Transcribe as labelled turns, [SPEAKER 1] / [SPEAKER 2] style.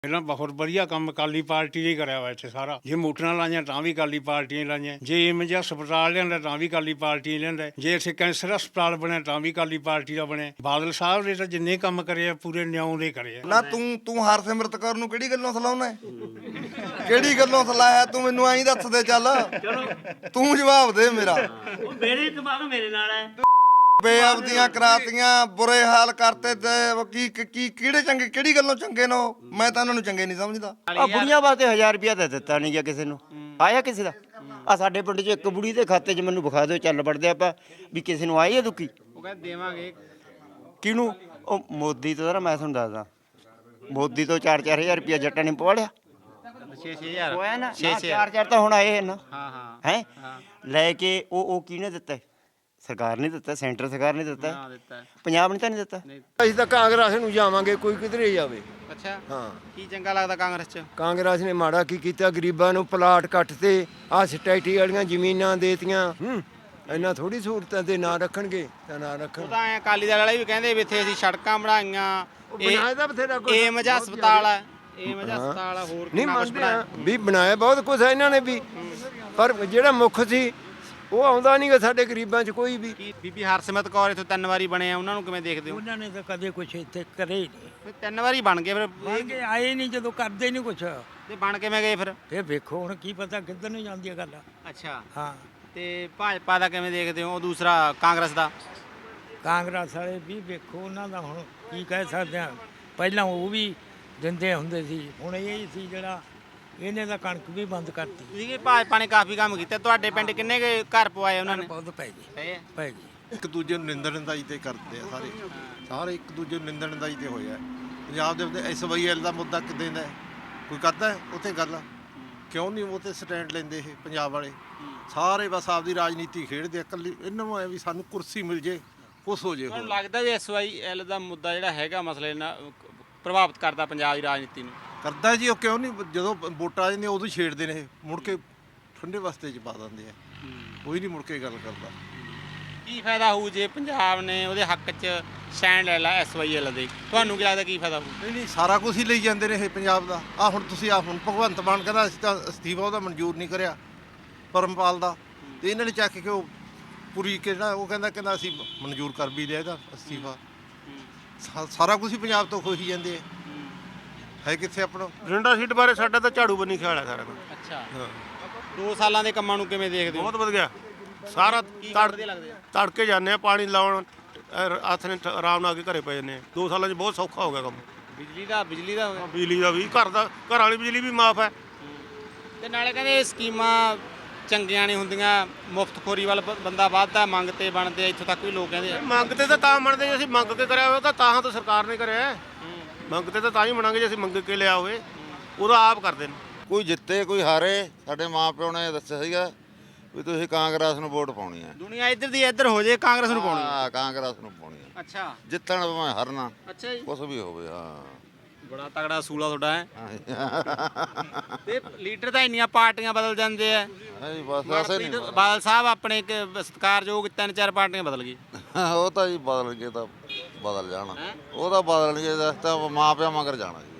[SPEAKER 1] ਪਹਿਲਾਂ ਬਹੁਤ ਵਧੀਆ ਕੰਮ ਅਕਾਲੀ ਪਾਰਟੀ ਨੇ ਕਰਿਆ ਵਾ ਇੱਥੇ ਸਾਰਾ। ਜੇ ਮੋਟਰਾਂ ਲਾਈਆਂ ਤਾਂ ਵੀ ਅਕਾਲੀ ਪਾਰਟੀ ਨੇ ਲਾਈਆਂ, ਜੇ ਏਮਜ ਹਸਪਤਾਲ ਲਿਆਂਦਾ ਤਾਂ ਵੀ ਅਕਾਲੀ ਪਾਰਟੀ ਨੇ ਲਿਆਂਦਾ, ਜੇ ਇੱਥੇ ਕੈਂਸਰ ਹਸਪਤਾਲ ਬਣਿਆ ਤਾਂ ਵੀ ਅਕਾਲੀ ਪਾਰਟੀ ਦਾ ਬਣਿਆ। ਬਾਦਲ ਸਾਹਿਬ ਨੇ ਤਾਂ ਜਿੰਨੇ ਕੰਮ ਕਰੇ ਆ ਪੂਰੇ ਨਿਆਂ ਦੇ ਕਰੇ ਆ।
[SPEAKER 2] ਨਾ ਤੂੰ ਹਰਸਿਮਰਤ ਕੌਰ ਨੂੰ ਕਿਹੜੀ ਗੱਲੋਂ ਸਲਾਉਣਾ, ਕਿਹੜੀ ਗੱਲੋਂ ਸਲਾਇਆ ਤੂੰ ਮੈਨੂੰ ਐਂ ਦੱਸ ਦੇ। ਚੱਲ ਤੂੰ ਜਵਾਬ ਦੇ ਮੇਰਾ।
[SPEAKER 3] ਮੇਰੇ ਦਿਮਾਗ ਮੇਰੇ ਨਾਲ ਹੈ।
[SPEAKER 2] ਬੇਅਬਦੀਆਂ ਕਰਾਤੀਆਂ, ਬੁਰੇ ਹਾਲ ਕਰਤੇ ਤੇ ਕੀ ਕਿਹੜੇ ਚੰਗੇ, ਕਿਹੜੀ ਗੱਲੋਂ ਚੰਗੇ ਨੇ ਉਹ? ਮੈਂ ਤਾਂ ਉਹਨਾਂ ਨੂੰ ਚੰਗੇ ਨਹੀਂ ਸਮਝਦਾ।
[SPEAKER 4] ਆ ਬੁੜੀਆਂ ਵਾਸਤੇ 1000 ਰੁਪਇਆ ਤਾਂ ਦਿੱਤਾ ਨਹੀਂ ਗਿਆ ਕਿਸੇ ਨੂੰ, ਆਇਆ ਕਿਸੇ ਦਾ? ਆ ਸਾਡੇ ਪਿੰਡ 'ਚ ਇੱਕ ਬੁੜੀ ਦੇ ਖਾਤੇ 'ਚ ਮੈਨੂੰ ਵਿਖਾ ਦਿਓ, ਚੱਲ ਵੜਦੇ ਆਪਾਂ ਵੀ ਕਿਸੇ ਨੂੰ ਆਈ ਹੈ ਦੁੱਕੀ।
[SPEAKER 3] ਉਹ ਕਹਿੰਦੇ ਦੇਵਾਂਗੇ
[SPEAKER 4] ਕਿਹਨੂੰ? ਉਹ ਮੋਦੀ ਤੋਂ। ਮੈਂ ਤੁਹਾਨੂੰ ਦੱਸਦਾ, ਮੋਦੀ ਤੋਂ 4-4000 ਰੁਪਇਆ ਜੱਟਾਂ ਨੇ ਪਵਾ ਲਿਆ।
[SPEAKER 3] 6-6000
[SPEAKER 4] ਹੋਇਆ ਨਾ, 4-4 ਤਾਂ ਹੁਣ ਆਏ ਨਾ।
[SPEAKER 3] ਹਾਂ
[SPEAKER 4] ਹੈ ਲੈ ਕੇ ਉਹ ਕਿਹਨੇ ਦਿੱਤਾ? ਸਰਕਾਰ ਨੇ ਦਿੱਤਾ, ਸੈਂਟਰ ਸਰਕਾਰ ਨੇ ਦਿੱਤਾ, ਪੰਜਾਬ ਨੇ ਤਾਂ ਨਹੀਂ ਦਿੱਤਾ।
[SPEAKER 5] ਅਸੀਂ ਤਾਂ ਕਾਂਗਰਸ ਨੂੰ ਜਾਵਾਂਗੇ, ਕੋਈ ਕਿਧਰੇ ਜਾਵੇ।
[SPEAKER 3] ਅੱਛਾ
[SPEAKER 5] ਹਾਂ,
[SPEAKER 3] ਕੀ ਚੰਗਾ ਲੱਗਦਾ ਕਾਂਗਰਸ 'ਚ?
[SPEAKER 5] ਕਾਂਗਰਸ ਨੇ ਮਾੜਾ ਕੀ ਕੀਤਾ? ਗਰੀਬਾਂ ਨੂੰ ਪਲਾਟ ਕੱਟ ਤੇ ਆਹ ਸਟੈਟੀ ਵਾਲੀਆਂ ਜ਼ਮੀਨਾਂ ਦੇਤੀਆਂ। ਇੰਨਾ ਥੋੜੀ ਸਹੂਲਤਾਂ ਤੇ ਨਾ ਰੱਖਣਗੇ ਤਾਂ ਨਾ ਰੱਖਣ।
[SPEAKER 3] ਉਹ ਤਾਂ ਐ ਅਕਾਲੀ ਦਲ ਵਾਲੇ ਵੀ ਕਹਿੰਦੇ ਵੀ ਇੱਥੇ ਅਸੀਂ ਸੜਕਾਂ ਬਣਾਈਆਂ,
[SPEAKER 5] ਬਣਾਇਆ ਤਾਂ ਬਥੇਰਾ ਕੁਛ,
[SPEAKER 3] ਏਮਜ ਹਸਪਤਾਲ ਹੈ, ਏਮਜ ਹਸਪਤਾਲ ਆ, ਹੋਰ
[SPEAKER 5] ਨਹੀਂ
[SPEAKER 3] ਕਿੰਨਾ ਕੁਛ
[SPEAKER 5] ਮੰਨਦੇ ਆ
[SPEAKER 3] ਬਣਾਇਆ।
[SPEAKER 5] ਵੀ ਬਣਾਇਆ ਬਹੁਤ ਕੁਛ ਇਹਨਾਂ ਨੇ ਵੀ, ਪਰ ਜਿਹੜਾ ਮੁੱਖ ਸੀ ਉਹ ਆਉਂਦਾ ਨਹੀਂ ਗਾ ਸਾਡੇ ਗਰੀਬਾਂ 'ਚ ਕੋਈ ਵੀ।
[SPEAKER 3] ਕੀ ਬੀਬੀ ਹਰਸਿਮਰਤ ਕੌਰ ਇੱਥੋਂ 3 ਵਾਰੀ ਬਣੇ ਆ, ਉਹਨਾਂ ਨੂੰ ਕਿਵੇਂ ਦੇਖਦੇ ਹੋ?
[SPEAKER 6] ਉਹਨਾਂ ਨੇ ਤਾਂ ਕਦੇ ਕੁਛ ਇੱਥੇ ਕਰੇ ਹੀ ਨਹੀਂ।
[SPEAKER 3] ਫਿਰ 3 ਵਾਰੀ ਬਣ ਗਏ, ਫਿਰ
[SPEAKER 6] ਬਣ ਕੇ ਆਏ ਨਹੀਂ, ਜਦੋਂ ਕਰਦੇ ਨਹੀਂ ਕੁਛ।
[SPEAKER 3] ਤੇ ਬਣ ਕਿਵੇਂ ਗਏ ਫਿਰ?
[SPEAKER 6] ਇਹ ਵੇਖੋ ਹੁਣ ਕੀ ਪਤਾ ਕਿੱਧਰ ਨੂੰ ਜਾਂਦੀ ਹੈ ਗੱਲ।
[SPEAKER 3] ਅੱਛਾ,
[SPEAKER 6] ਹਾਂ,
[SPEAKER 3] ਤੇ ਭਾਜਪਾ ਦਾ ਕਿਵੇਂ ਦੇਖਦੇ ਹੋ? ਉਹ ਦੂਸਰਾ ਕਾਂਗਰਸ ਦਾ?
[SPEAKER 6] ਕਾਂਗਰਸ ਵਾਲੇ ਵੀ ਵੇਖੋ, ਉਹਨਾਂ ਦਾ ਹੁਣ ਕੀ ਕਹਿ ਸਕਦੇ ਆ। ਪਹਿਲਾਂ ਉਹ ਵੀ ਦਿੰਦੇ ਹੁੰਦੇ ਸੀ, ਹੁਣ ਇਹ ਸੀ ਜਿਹੜਾ ਇਹਨੇ ਤਾਂ ਕਣਕ ਵੀ ਬੰਦ ਕਰਤੀ।
[SPEAKER 3] ਤੁਸੀਂ ਕਿ ਭਾਜਪਾ ਨੇ ਕਾਫੀ ਕੰਮ ਕੀਤਾ। ਤੁਹਾਡੇ ਪਿੰਡ ਕਿੰਨੇ ਕੁ ਘਰ ਪਵਾਏ ਉਹਨਾਂ ਨੇ?
[SPEAKER 6] ਬਹੁਤ ਪੈ ਗਈ,
[SPEAKER 3] ਪਏ ਆ?
[SPEAKER 6] ਪੈ ਗਈ।
[SPEAKER 7] ਇੱਕ ਦੂਜੇ ਨੂੰ ਨਿੰਦਣ ਨਿੰਦਾਈ ਤੇ ਕਰਦੇ ਆ ਸਾਰੇ ਇੱਕ ਦੂਜੇ ਨੂੰ ਨਿੰਦਣ ਨਿੰਦਾਈ ਤੇ ਹੋਇਆ। ਪੰਜਾਬ ਦੇ ਵਿੱਚ SYL ਦਾ ਮੁੱਦਾ ਕਿੱਦਾਂ ਦਾ ਕੋਈ ਕਰਦਾ ਹੈ ਉੱਥੇ ਗੱਲ? ਕਿਉਂ ਨਹੀਂ ਉਹ ਤੇ ਸਟੈਂਡ ਲੈਂਦੇ ਇਹ ਪੰਜਾਬ ਵਾਲੇ? ਸਾਰੇ ਬਸ ਆਪਦੀ ਰਾਜਨੀਤੀ ਖੇਡਦੇ ਆ। ਇਕੱਲੀ ਇਹਨਾਂ ਨੂੰ ਐ ਵੀ ਸਾਨੂੰ ਕੁਰਸੀ ਮਿਲ ਜੇ, ਕੁਛ ਹੋ ਜੇ।
[SPEAKER 3] ਤੁਹਾਨੂੰ ਲੱਗਦਾ ਵੀ SYL ਦਾ ਮੁੱਦਾ ਜਿਹੜਾ ਹੈਗਾ ਮਸਲੇ ਨਾਲ ਪ੍ਰਭਾਵਿਤ ਕਰਦਾ ਪੰਜਾਬ ਦੀ ਰਾਜਨੀਤੀ ਨੂੰ?
[SPEAKER 7] ਕਰਦਾ ਜੀ। ਉਹ ਕਿਉਂ ਨਹੀਂ? ਜਦੋਂ ਵੋਟਾਂ ਆ ਜਾਂਦੀਆਂ ਉਦੋਂ ਹੀ ਛੇੜਦੇ ਨੇ ਇਹ, ਮੁੜ ਕੇ ਠੰਡੇ ਵਸਤੇ 'ਚ ਪਾ ਦਿੰਦੇ ਆ। ਕੋਈ ਨਹੀਂ ਮੁੜ ਕੇ ਗੱਲ ਕਰਦਾ।
[SPEAKER 3] ਕੀ ਫਾਇਦਾ ਹੋਊ ਜੇ ਪੰਜਾਬ ਨੇ ਉਹਦੇ ਹੱਕ 'ਚ ਸਟੈਂਡ ਲੈ ਲਾ SYL ਦੇ? ਤੁਹਾਨੂੰ ਕੀ ਲੱਗਦਾ ਕੀ ਫਾਇਦਾ ਹੋਊ?
[SPEAKER 7] ਨਹੀਂ ਸਾਰਾ ਕੁਝ ਹੀ ਲਈ ਜਾਂਦੇ ਨੇ ਇਹ ਪੰਜਾਬ ਦਾ। ਹੁਣ ਤੁਸੀਂ ਹੁਣ ਭਗਵੰਤ ਮਾਨ ਕਹਿੰਦਾ ਅਸੀਂ ਤਾਂ ਅਸਤੀਫਾ ਉਹਦਾ ਮਨਜ਼ੂਰ ਨਹੀਂ ਕਰਿਆ ਪਰਮਪਾਲ ਦਾ, ਤੇ ਇਹਨਾਂ ਨੇ ਚੱਕ ਕੇ ਉਹ ਪੂਰੀ ਕਿਹੜਾ ਉਹ ਕਹਿੰਦਾ ਅਸੀਂ ਮਨਜ਼ੂਰ ਕਰ ਵੀ ਲਿਆ ਇਹਦਾ ਅਸਤੀਫਾ। ਸਾਰਾ ਕੁਝ ਹੀ ਪੰਜਾਬ ਤੋਂ ਖੋਹੀ ਜਾਂਦੇ ਆ। ਹੈ ਕਿੱਥੇ ਆਪਣਾ
[SPEAKER 8] ਬਠਿੰਡਾ ਸੀਟ ਬਾਰੇ ਸਾਡਾ ਤਾਂ ਝਾੜੂ ਬੰਨੀ ਖਿਆਲ ਹੈ ਸਾਰਾ ਕੁਝ।
[SPEAKER 3] ਅੱਛਾ, 2 ਸਾਲਾਂ ਦੇ ਕੰਮਾਂ ਨੂੰ ਕਿਵੇਂ ਦੇਖਦੇ ਹੋ?
[SPEAKER 8] ਬਹੁਤ ਵਧੀਆ, ਸਾਰਾ
[SPEAKER 3] ਵਧੀਆ ਲੱਗਦੇ ਆ।
[SPEAKER 8] ਤੜਕੇ ਜਾਂਦੇ ਆ ਪਾਣੀ ਲਾਉਣ, ਹੱਥ ਨੇ ਆਰਾਮ ਨਾਲ ਆ ਕੇ ਘਰੇ ਪੈ ਜਾਂਦੇ ਆ। 2 ਸਾਲਾਂ 'ਚ ਬਹੁਤ ਸੌਖਾ ਹੋ ਗਿਆ ਕੰਮ।
[SPEAKER 3] ਬਿਜਲੀ ਦਾ ਹੋ ਗਿਆ।
[SPEAKER 8] ਬਿਜਲੀ ਦਾ ਵੀ, ਘਰ ਵਾਲੀ ਬਿਜਲੀ ਵੀ ਮਾਫ ਹੈ।
[SPEAKER 3] ਤੇ ਨਾਲੇ ਕਹਿੰਦੇ ਇਹ ਸਕੀਮਾਂ ਚੰਗੀਆਂ ਨਹੀਂ ਹੁੰਦੀਆਂ, ਮੁਫਤਖੋਰੀ ਵੱਲ ਬੰਦਾ ਵੱਧਦਾ, ਮੰਗ ਤੇ ਬਣਦੇ ਆ। ਇੱਥੋਂ ਤੱਕ ਵੀ ਲੋਕ ਕਹਿੰਦੇ ਆ
[SPEAKER 8] ਮੰਗ ਤੇ ਤਾਂ ਮੰਨਦੇ ਜੇ ਅਸੀਂ ਮੰਗ ਕੇ ਕਰਿਆ ਹੋਇਆ, ਤਾਂ ਤਾਂ ਸਰਕਾਰ ਨੇ ਕਰਿਆ। ਮੰਗ ਤੇ ਤਾਂ ਹੀ ਮੰਨਾਂਗੇ ਜੇ ਅਸੀਂ ਮੰਗ ਕੇ ਲਿਆ ਹੋਵੇ। ਉਹਦਾ ਆਪ ਕਰਦੇ ਨੇ।
[SPEAKER 9] ਕੋਈ ਜਿੱਤੇ ਕੋਈ ਹਾਰੇ, ਸਾਡੇ ਮਾਂ ਪਿਓ ਨੇ ਦੱਸਿਆ ਸੀਗਾ ਵੀ ਤੁਸੀਂ ਕਾਂਗਰਸ ਨੂੰ ਵੋਟ ਪਾਉਣੀ ਹੈ।
[SPEAKER 3] ਦੁਨੀਆ ਇੱਧਰ ਦੀ ਇੱਧਰ ਹੋ ਜੇ, ਕਾਂਗਰਸ ਨੂੰ ਪਾਉਣੀ।
[SPEAKER 9] ਹਾਂ, ਕਾਂਗਰਸ ਨੂੰ ਪਾਉਣੀ ਹੈ।
[SPEAKER 3] ਅੱਛਾ,
[SPEAKER 9] ਜਿੱਤਣ ਭਾਵੇਂ ਹਰਨਾ,
[SPEAKER 3] ਅੱਛਾ ਜੀ,
[SPEAKER 9] ਕੁਛ ਵੀ ਹੋਵੇ। ਹਾਂ,
[SPEAKER 3] ਬੜਾ ਤਗੜਾ ਸੂਲਾ ਤੁਹਾਡਾ ਹੈ। ਤੇ ਲੀਡਰ ਤਾਂ ਇੰਨੀਆਂ ਪਾਰਟੀਆਂ ਬਦਲ ਜਾਂਦੇ ਆ।
[SPEAKER 9] ਨਹੀਂ ਬਸ ਐਸੇ ਨਹੀਂ।
[SPEAKER 3] ਬਾਦਲ ਸਾਹਿਬ ਆਪਣੇ ਇੱਕ ਸਤਿਕਾਰਯੋਗ 3-4 ਪਾਰਟੀਆਂ ਬਦਲ ਗਈ।
[SPEAKER 9] ਉਹ ਤਾਂ ਜੀ ਬਦਲ ਗਏ ਤਾਂ ਬਦਲ ਜਾਣਾ। ਉਹ ਤਾਂ ਬਦਲਣਗੇ, ਤਾਂ ਮਾਂ ਪਿਓ ਮਗਰ ਜਾਣਾ ਜੀ।